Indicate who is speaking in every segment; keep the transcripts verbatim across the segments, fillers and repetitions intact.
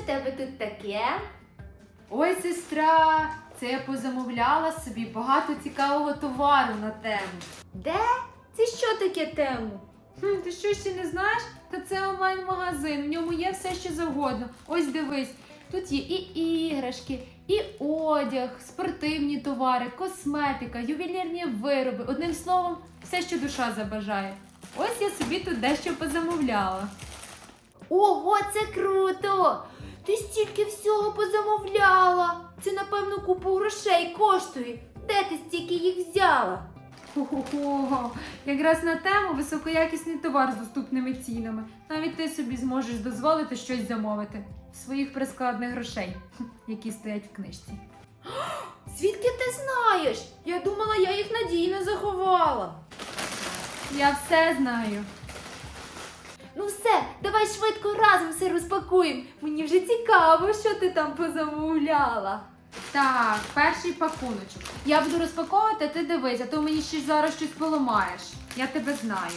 Speaker 1: в тебе тут таке?
Speaker 2: Ой, сестра, це я позамовляла собі багато цікавого товару на тему.
Speaker 1: Де? Це що таке тему?
Speaker 2: Хм, ти що ще не знаєш? Та це онлайн-магазин, в ньому є все, що завгодно. Ось дивись, тут є і іграшки, і одяг, спортивні товари, косметика, ювелірні вироби. Одним словом, все, що душа забажає. Ось я собі тут дещо позамовляла.
Speaker 1: Ого, це круто! Ти стільки всього позамовляла. Це, напевно, купу грошей коштує. Де ти стільки їх взяла?
Speaker 2: Хо-хо-хо, якраз на тему високоякісний товар з доступними цінами. Навіть ти собі зможеш дозволити щось замовити. Своїх прискладних грошей, які стоять в книжці.
Speaker 1: Звідки ти знаєш? Я думала, я їх надійно заховала.
Speaker 2: Я все знаю.
Speaker 1: Ну все, давай швидко разом все розпакуємо. Мені вже цікаво, що ти там позамовляла.
Speaker 2: Так, перший пакуночок. Я буду розпаковувати, а ти дивись, а то мені ще зараз щось поламаєш. Я тебе знаю.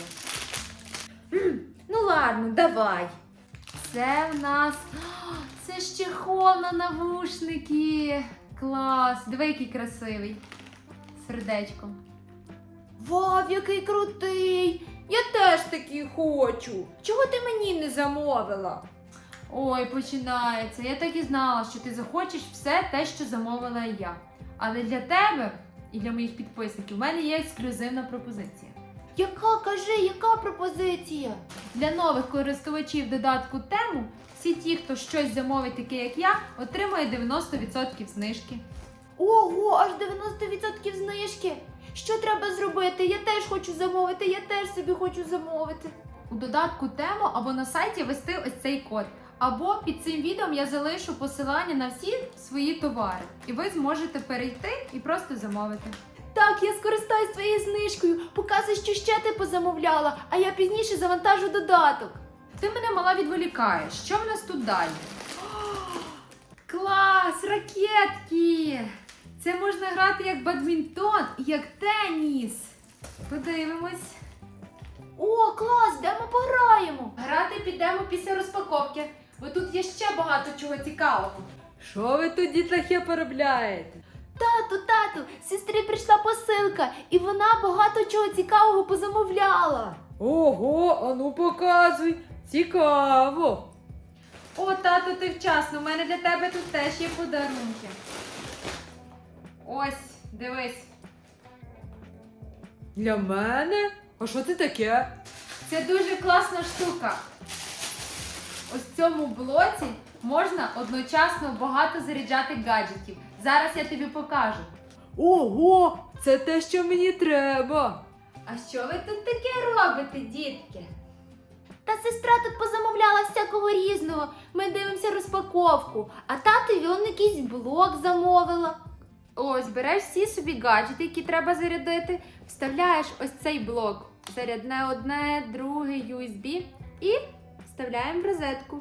Speaker 1: Ну ладно, давай.
Speaker 2: Це в нас... О, це ж чехол на навушники. Клас. Диви, який красивий. Сердечком.
Speaker 1: Вау, який крутий! Я теж такий хочу. Чого ти мені не замовила?
Speaker 2: Ой, починається. Я так і знала, що ти захочеш все те, що замовила я. Але для тебе і для моїх підписників у мене є ексклюзивна пропозиція.
Speaker 1: Яка, кажи, яка пропозиція?
Speaker 2: Для нових користувачів додатку тему всі ті, хто щось замовить таке, як я, отримує дев'яносто відсотків знижки.
Speaker 1: Ого, аж дев'яносто відсотків знижки. Що треба зробити? Я теж хочу замовити, я теж собі хочу замовити.
Speaker 2: У додатку тему або на сайті ввести ось цей код. Або під цим відео я залишу посилання на всі свої товари. І ви зможете перейти і просто замовити.
Speaker 1: Так, я скористаюсь твоєю знижкою. Показуй, що ще ти позамовляла, а я пізніше завантажу додаток.
Speaker 2: Ти мене мала відволікаєш. Що в нас тут далі? Клас! Ракетки! Це можна грати як бадмінтон і як теніс. Подивимось.
Speaker 1: О, клас, де ми пограємо?
Speaker 2: Грати підемо після розпаковки, бо тут є ще багато чого цікавого.
Speaker 3: Що ви тут, дітлахи, поробляєте?
Speaker 1: Тату, тату, сестрі прийшла посилка, і вона багато чого цікавого позамовляла.
Speaker 3: Ого, ану показуй. Цікаво.
Speaker 2: О, тато, ти вчасно, у мене для тебе тут теж є подарунки. Ось, дивись.
Speaker 3: Для мене? А що це таке?
Speaker 2: Це дуже класна штука. Ось в цьому блоці можна одночасно багато заряджати гаджетів. Зараз я тобі покажу.
Speaker 3: Ого, це те, що мені треба.
Speaker 1: А що ви тут таке робите, дітки? Та сестра тут позамовляла всякого різного. Ми дивимося розпаковку. А татові он якийсь блок замовила.
Speaker 2: Ось, береш всі собі гаджети, які треба зарядити, вставляєш ось цей блок. Зарядне одне, друге, ю ес бі і вставляємо в розетку.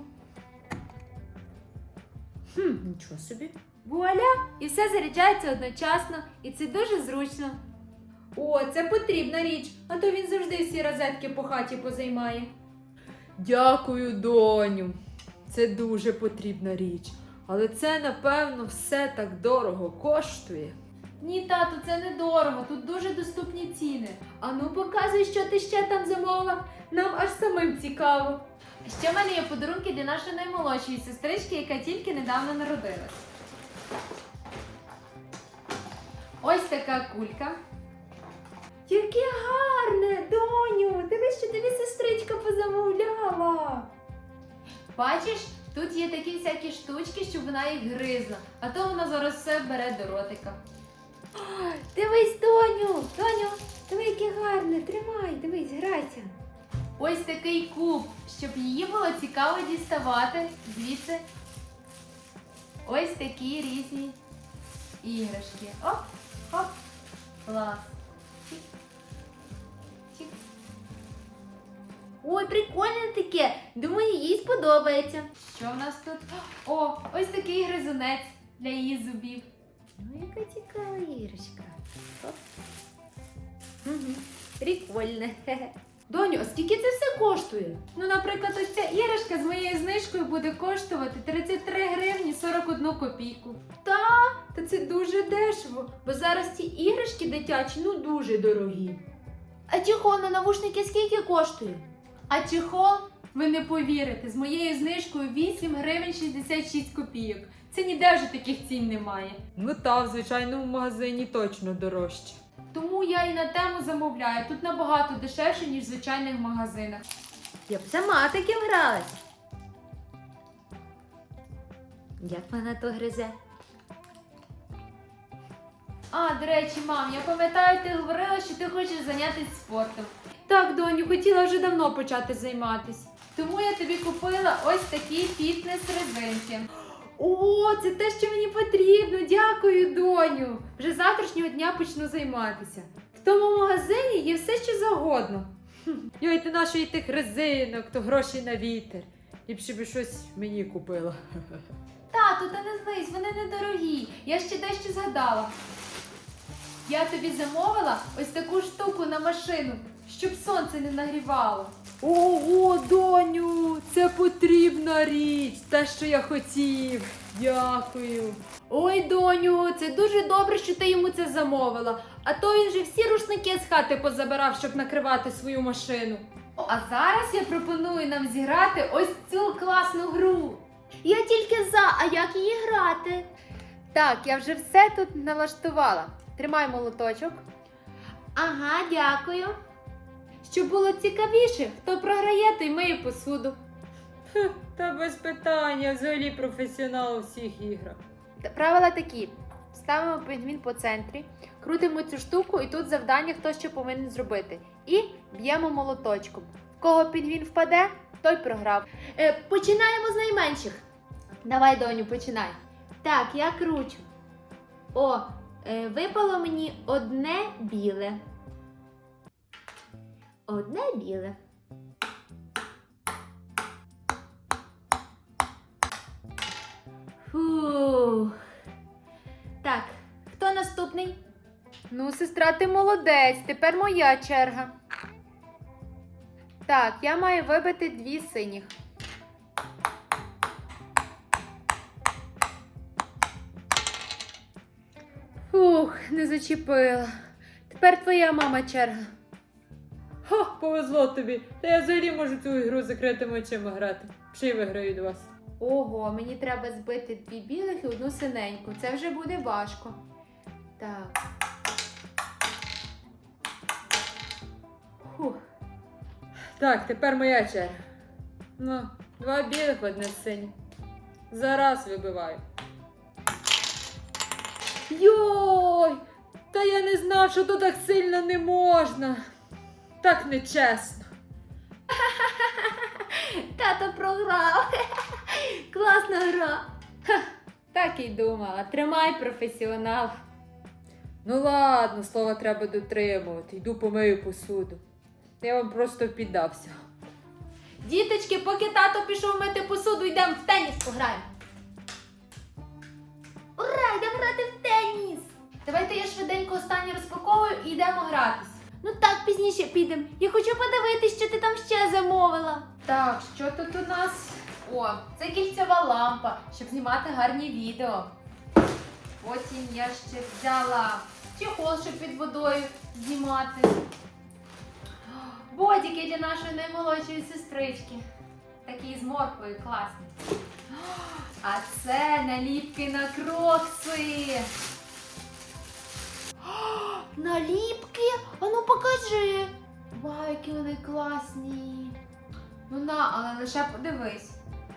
Speaker 1: Хм, нічого собі.
Speaker 2: Вуаля! І все заряджається одночасно, і це дуже зручно. О, це потрібна річ, а то він завжди всі розетки по хаті позаймає.
Speaker 3: Дякую, доню. Це дуже потрібна річ. Але це, напевно, все так дорого коштує.
Speaker 2: Ні, тату, це недорого, тут дуже доступні ціни.
Speaker 1: Ану, показуй, що ти ще там замовила. Нам аж самим цікаво.
Speaker 2: А ще в мене є подарунки для нашої наймолодшої сестрички, яка тільки недавно народилась. Ось така кулька.
Speaker 1: Яке гарне, доню! Дивись, що тобі сестричка позамовляла.
Speaker 2: Бачиш, тут є такі всякі штучки, щоб вона їх гризла, а то вона зараз все бере до ротика.
Speaker 1: Дивись, доню, доню, диви, яке гарне, тримай, дивись, грайся.
Speaker 2: Ось такий куб, щоб її було цікаво діставати звідси. Ось такі різні іграшки. Оп, оп, клас. Чик, чик.
Speaker 1: Ой, прикольне таке. Думаю, їй сподобається.
Speaker 2: Що в нас тут? О, ось такий гризунець для її зубів.
Speaker 1: Ну, яка цікава іграшка. Оп. Угу. Прикольне. Доню, а скільки це все коштує?
Speaker 2: Ну, наприклад, ось ця іграшка з моєю знижкою буде коштувати тридцять три гривні сорок одну копійку.
Speaker 1: Та це дуже дешево, бо зараз ті іграшки дитячі, ну дуже дорогі. А чехол на навушники скільки коштує?
Speaker 2: А чехол, ви не повірите, з моєю знижкою вісім гривень шістдесят шість копійок. Це ніде вже таких цін немає.
Speaker 3: Ну та, в звичайному магазині точно дорожче.
Speaker 2: Тому я і на тему замовляю. Тут набагато дешевше, ніж в звичайних магазинах.
Speaker 1: Я б сама таким гралась. Як вона то гризе?
Speaker 2: А, до речі, мам, я пам'ятаю, ти говорила, що ти хочеш зайнятися спортом.
Speaker 1: Так, доню, хотіла вже давно почати займатися.
Speaker 2: Тому я тобі купила ось такі фітнес-резинки.
Speaker 1: О, це те, що мені потрібно. Дякую, доню. Вже з завтрашнього дня почну займатися. В тому магазині є все, що завгодно.
Speaker 3: Йой, ти нашої тих резинок, то гроші на вітер. Ліпше би щось мені купила.
Speaker 2: Тату, та не злись, вони недорогі. Я ще дещо згадала. Я тобі замовила ось таку штуку на машину, щоб сонце не нагрівало.
Speaker 3: Ого, доню, це потрібна річ, те, що я хотів. Дякую.
Speaker 1: Ой, доню, це дуже добре, що ти йому це замовила. А то він же всі рушники з хати позабирав, щоб накривати свою машину.
Speaker 2: А зараз я пропоную нам зіграти ось цю класну гру.
Speaker 1: Я тільки за, а як її грати? Так, я вже все тут налаштувала. Тримай молоточок. Ага, дякую. Щоб було цікавіше, хто програє, той миє посуду.
Speaker 3: Фух, та без питання, взагалі професіонал у всіх іграх.
Speaker 1: Та правила такі. Ставимо пінгвін по центрі, крутимо цю штуку і тут завдання, хто що повинен зробити. І б'ємо молоточком. В кого пінгвін впаде, той програв. Е, починаємо з найменших. Давай, доню, починай. Так, я кручу. О, е, випало мені одне біле. Одне біле. Фух. Так, хто наступний? Ну, сестра, ти молодець, тепер моя черга. Так, я маю вибити дві синіх. Фух, не зачепила. Тепер твоя мама черга.
Speaker 3: Ха, повезло тобі. Та я взагалі можу цю ігру з закритими очима грати. Ще й виграю від вас.
Speaker 1: Ого, мені треба збити дві білих і одну синеньку. Це вже буде важко. Так. Фух.
Speaker 3: Так, тепер моя черга. Ну, два білих, одне синє. Зараз вибиваю. Йой! Та я не знав, що тут так сильно не можна. Так нечесно.
Speaker 1: Тато програв. Класна гра. Ха, так і думала. Тримай, професіонал.
Speaker 3: Ну ладно, слова треба дотримувати. Йду помию посуду. Я вам просто піддався.
Speaker 1: Діточки, поки тато пішов мити посуду, йдемо в теніс пограємо. Ура, йдемо грати в теніс.
Speaker 2: Давайте я швиденько останнє розпаковую і йдемо гратись.
Speaker 1: Ну так, пізніше підемо. Я хочу подивитись, що ти там ще замовила.
Speaker 2: Так, що тут у нас? О, це кільцева лампа, щоб знімати гарні відео. Потім я ще взяла чехол, щоб під водою знімати. Бодіки для нашої наймолодшої сестрички. Такі з морквою класні. А це наліпки на крокси.
Speaker 1: Наліпки? Ану покажи. Вау, які вони класні.
Speaker 2: Ну на, але лише подивись.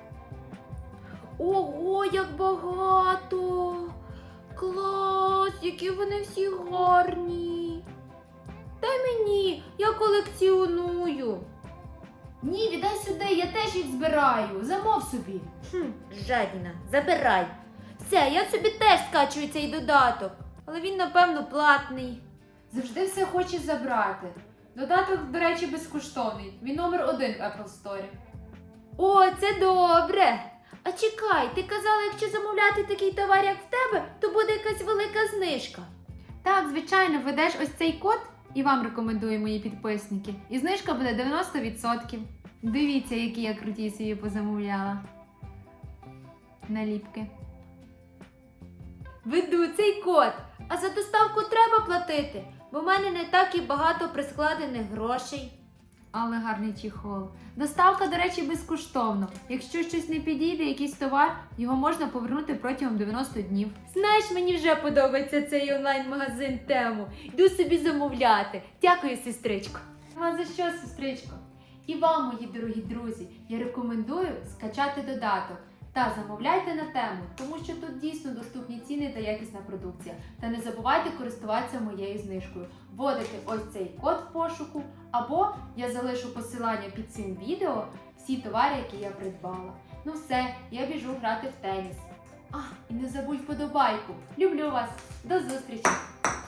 Speaker 1: Ого, як багато. Клас, які вони всі гарні. Дай мені, я колекціоную.
Speaker 2: Ні, віддай сюди, я теж їх збираю. Замов собі.
Speaker 1: Хм, жадіна, забирай. Все, я собі теж скачую цей додаток. Але він, напевно, платний.
Speaker 2: Завжди все хоче забрати. Додаток, до речі, безкоштовний. Він номер один в Apple Store.
Speaker 1: О, це добре. А чекай, ти казала, якщо замовляти такий товар, як в тебе, то буде якась велика знижка.
Speaker 2: Так, звичайно, введеш ось цей код І вам рекомендую, мої підписники. І знижка буде дев'яносто відсотків. Дивіться, які я круті собі позамовляла. Наліпки.
Speaker 1: Веду цей код, а за доставку треба платити, бо в мене не так і багато прискладених грошей.
Speaker 2: Але гарний чехол. Доставка, до речі, безкоштовно. Якщо щось не підійде, якийсь товар, його можна повернути протягом дев'яноста днів.
Speaker 1: Знаєш, мені вже подобається цей онлайн-магазин Тему. Йду собі замовляти. Дякую, сестричко.
Speaker 2: А за що, сестричко?
Speaker 1: І вам, мої дорогі друзі, я рекомендую скачати додаток та замовляйте на Тему, тому що тут дійсно доступні ціни та якісна продукція. Та не забувайте користуватися моєю знижкою. Вводите ось цей код в пошуку, або я залишу посилання під цим відео всі товари, які я придбала. Ну все, я біжу грати в теніс. А, і не забудь вподобайку. Люблю вас. До зустрічі!